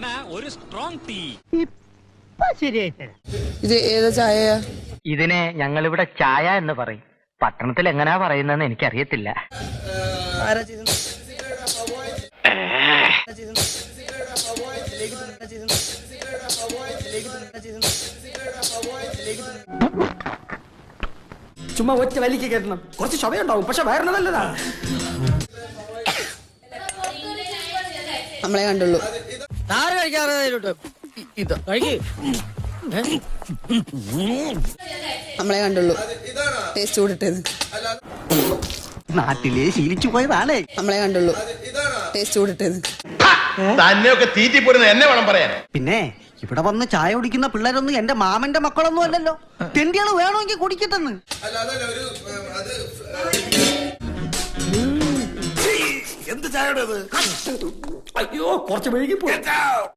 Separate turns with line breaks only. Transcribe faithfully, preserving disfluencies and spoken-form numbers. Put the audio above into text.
ഒരു strong tea.
ഇത് ഏതാ ചായ?
ഇതിനെ ഞങ്ങൾ ഇവിടെ ചായ എന്ന് പറയും. പട്ടണത്തിൽ എങ്ങനെയാ പറയുന്നതെന്ന് എനിക്കറിയത്തില്ല.
ആരാ ചെയ്തത്?
ചുമ്മാ ഒറ്റ വലിക്ക് കയറ്റണം. കുറച്ച് ക്ഷമയുണ്ടാവും, പക്ഷെ വയറിന് നല്ലതാ.
നമ്മളെ കണ്ടുള്ളൂ. നമ്മളെ കണ്ടുള്ളൂ. ടേസ്റ്റ് കൂടിട്ടത്
നാട്ടിലെ ശീലിച്ചു പോയതാണേ.
നമ്മളെ കണ്ടുള്ളൂ. ടേസ്റ്റ് കൂടിട്ടത്
തന്നെയൊക്കെ തീറ്റിപ്പോരുന്ന എന്നെ വേണം പറയാൻ.
പിന്നെ ഇവിടെ വന്ന് ചായ കുടിക്കുന്ന പിള്ളേരൊന്നും എന്റെ മാമന്റെ മക്കളൊന്നും അല്ലല്ലോ. തെണ്ടികള് വേണമെങ്കിൽ കുടിക്കട്ടെന്ന്. എന്ത് ചായ? അയ്യോ, കുറച്ച് മെഴുകി പോ.